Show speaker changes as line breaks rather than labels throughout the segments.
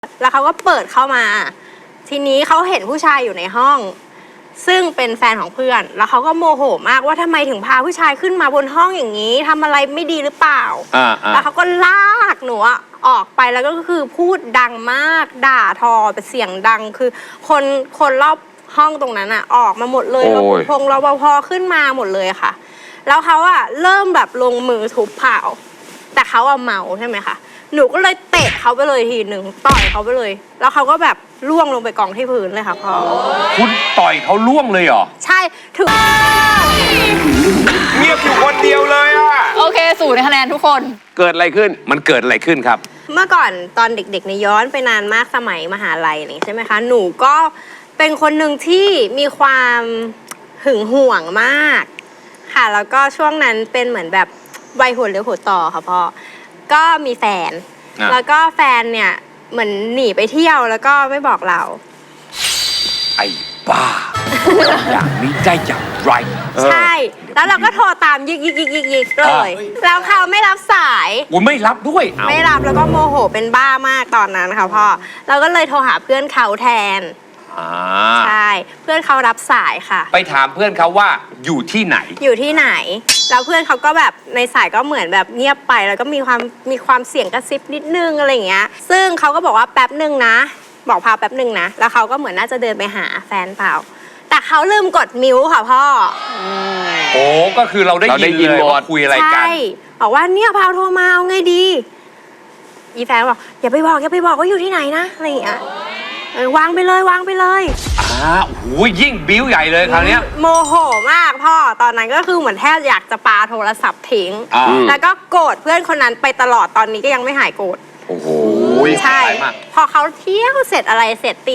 แล้วเขาก็เปิดเข้ามา ทีนี้เขาเห็นผู้ชายอยู่ในห้อง ซึ่งเป็นแฟนของเพื่อน แล้วเขาก็โมโหมากว่าทำไมถึงพาผู้ชายขึ้นมาบนห้องอย่างนี้ทำอะไรไม่ดีหรือเปล่าแล้วเขาก็ลากหนูออกไปแล้วก็คือพูดดังมากด่าทอเป็นเสียงดังคือคนรอบห้องตรงนั้นออกมาหมดเลยรปภรปภขึ้นมาหมดเลยค่ะแล้วเขาเริ่มแบบลงมือทุบเผาแต่เขาเมาใช่ไหมคะหนูก็เลยเตะเขาไปเลยทีหนึ่งต่อยเขาไปเลยแล้วเขาก็แบบล่วงลงไปกองที่พื้นเลยค่ะพ่อ
คุณต่อยเขาล่วงเลยเหรอ
ใช่ถึง
เงียบอยู่คนเดียวเลย
โอเค0 คะแนนทุกคน
เกิดอะไรขึ้นมันเกิดอะไรขึ้นครับ
เมื่อก่อนตอนเด็กๆในย้อนไปนานมากสมัยมหาลัยนี่ใช่ไหมคะหนูก็เป็นคนหนึ่งที่มีความหึงหวงมากค่ะแล้วก็ช่วงนั้นเป็นเหมือนแบบวัยหัวเลี้ยวหัวต่อค่ะพ่อก็มีแฟนแล้วก็แฟนเนี่ยเหมือนหนีไปเที่ยวแล้วก็ไม่บอกเรา
ไอ้บ้าอย่างนี้ได้อย่างไร
ใช่แล้วเราก็โทรตามยิกเลยแล้วเขาไม่รับสาย
ไม่รับด้วย
ไม่รับแล้วก็โมโหเป็นบ้ามากตอนนั้นค่ะพ่อเราก็เลยโทรหาเพื่อนเขาแทนใช่เพื่อนเขารับสายค่ะ
ไปถามเพื่อนเขาว่าอยู่ที่ไหน
แล้วเพื่อนเขาก็แบบในสายก็เหมือนแบบเงียบไปแล้วก็มีความเสียงกระซิบนิดนึงอะไรอย่างเงี้ยซึ่งเขาก็บอกว่าแป๊บนึงนะบอกพาแป๊บนึงนะแล้วเขาก็เหมือนน่าจะเดินไปหาแฟนเปล่าแต่เขาลืมกดมิวต์ค่ะพ่อ
โอ้ก็คือเราได้ยินเลยว่าคุยอะไรกันใช่
บอกว่าเนี่ยพาวโทรมาเอาไงดีอีแฟนบอกอย่าไปบอกว่าอยู่ที่ไหนนะอะไรอย่างเงี้ยวางไปเลย
โอ้ยยิ่งบิ้วใหญ่เลยคราวนี้
โมโหมากพ่อตอนนั้นก็คือเหมือนแทบอยากจะปาโทรศัพท์ทิ้งแล้วก็โกรธเพื่อนคนนั้นไปตลอดตอนนี้ก็ยังไม่หายโกรธ
โอ้โห
ใช่พอเขาเที่ยวเสร็จอะไรเสร็จตี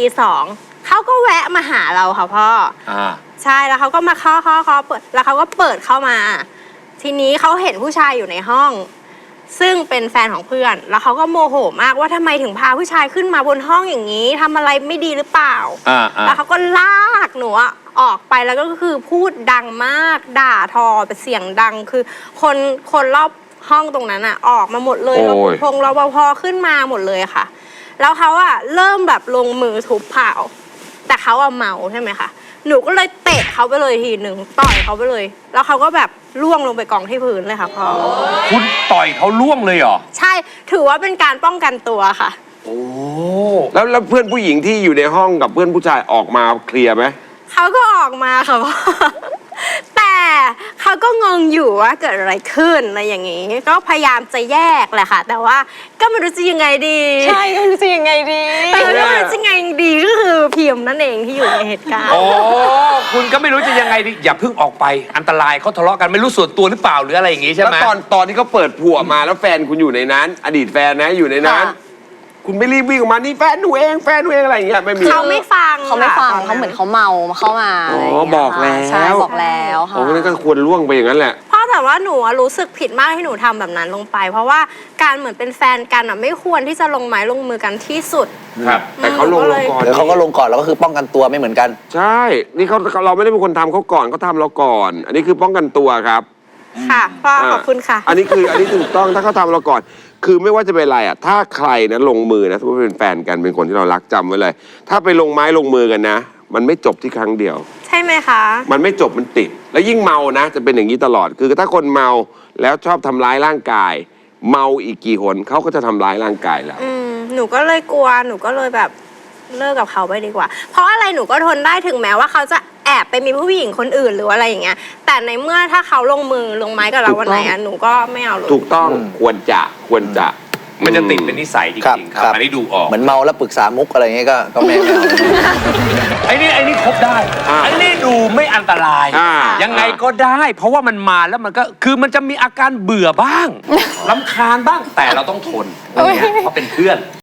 2เขาก็แวะมาหาเราค่ะพ่อใช่แล้วเขาก็มาเคาะเปิดแล้วเขาก็เปิดเข้ามาทีนี้เขาเห็นผู้ชายอยู่ในห้องซึ่งเป็นแฟนของเพื่อนแล้วเขาก็โมโหมากว่าทำไมถึงพาผู้ชายขึ้นมาบนห้องอย่างนี้ทำอะไรไม่ดีหรือเปล่าแล้วเขาก็ลากหนูออกไปแล้วก็คือพูดดังมากด่าทอเป็นเสียงดังคือคนรอบห้องตรงนั้นออกมาหมดเลยรปภขึ้นมาหมดเลยค่ะแล้วเขาเริ่มแบบลงมือทุบเผาแต่เขาเมาใช่ไหมคะหนูก็เลยเตะเขาไปเลยทีหนึ่งต่อยเขาไปเลยแล้วเขาก็แบบล่วงลงไปกองที่พื้นเลยค่ะพ่อ
คุณต่อยเขาล่วงเลยเหรอ
ใช่ถือว่าเป็นการป้องกันตัวค่ะ
โอ้แล้วเพื่อนผู้หญิงที่อยู่ในห้องกับเพื่อนผู้ชายออกมาเคลียร์ไหม
เขาก็ออกมาค่ะพ่อแต่เขาก็งงอยู่ว่าเกิดอะไรขึ้นอะไรอย่างนี้ก็พยายามจะแยกแหละค่ะแต่ว่าก็ไม่รู้จะยังไงดี
ใช่ก็ไม่รู้จะยังไงดี
แต่ก็ไม่รู้จะยังไงดีก็คือพิมพ์นั่นเองที่อยู่ในเหตุการณ์
คุณก็ไม่รู้จะยังไงดีอย่าเพิ่งออกไปอันตรายเขาทะเลาะกันไม่รู้ส่วนตัวหรือเปล่าหรืออะไรอย่างงี้ใช่ไหม
แล้วตอนที่เขาเปิดผัวมาแล้วแฟนคุณอยู่ในนั้นอดีตแฟนนะอยู่ในนั้นคุณไม่รีบวิ่งออกมานี่แฟนหนูเองอะไรอย่างเงี้ยไม่มี
เขาไม่ฟัง
เขาเหมือนเขาเมาเข้ามา
บอกแล้ว
ใช่บอกแล้วค่ะ
โอ้นั่นก็ควรล่วงไปอย่างนั้นแหละ
พ่อแต่ว่าหนูรู้สึกผิดมากที่หนูทำแบบนั้นลงไปเพราะว่าการเหมือนเป็นแฟนกันไม่ควรที่จะลงไม้ลงมือกันที่สุด
ครับแต่เขาลงก่อน
เขาก็ลงก่อนแล้วก็คือป้องกันตัวไม่เหมือนกัน
ใช่นี่เราไม่ได้เป็นคนทำเขาก่อนเขาทำเราก่อนอันนี้คือป้องกันตัวครับ
ค่ะพ่อขอบคุณค่ะ
อันนี้ถูกต้องถ้าเขาทำเราก่อนคือไม่ว่าจะเป็นอะไรถ้าใครนะลงมือนะสมมติเป็นแฟนกันเป็นคนที่เรารักจำไว้เลยถ้าไปลงไม้ลงมือกันนะมันไม่จบที่ครั้งเดียว
ใช่ไหมคะ
มันไม่จบมันติดแล้วยิ่งเมานะจะเป็นอย่างนี้ตลอดคือถ้าคนเมาแล้วชอบทำร้ายร่างกายเมาอีกกี่หนเขาก็จะทำร้ายร่างกายแล้ว
หนูก็เลยกลัวหนูก็เลยแบบเลิกกับเขาไปดีกว่าเพราะอะไรหนูก็ทนได้ถึงแม้ว่าเขาจะแอบไปมีผู้หญิงคนอื่นหรืออะไรอย่างเงี้ยแต่ในเมื่อถ้าเขาลงไม้กับเราวันไหนหนูก็ไม่เอาเลย
ถูกต้องควรจะ
มันจะติดเป็นนิสัยจริงๆครับอันนี้ดูออก
เหมือนเมาแล้วปรึกษามุกอะไรเงี้ยก็ไม่เอา
ไอ้นี่ครบได้ไอ้นี่ดูไม่อันตรายยังไงก็ได้เพราะว่ามันมาแล้วมันก็คือมันจะมีอาการเบื่อบ้างรำคาญบ้างแต่เราต้องทนเพราะเป็นเพื่อน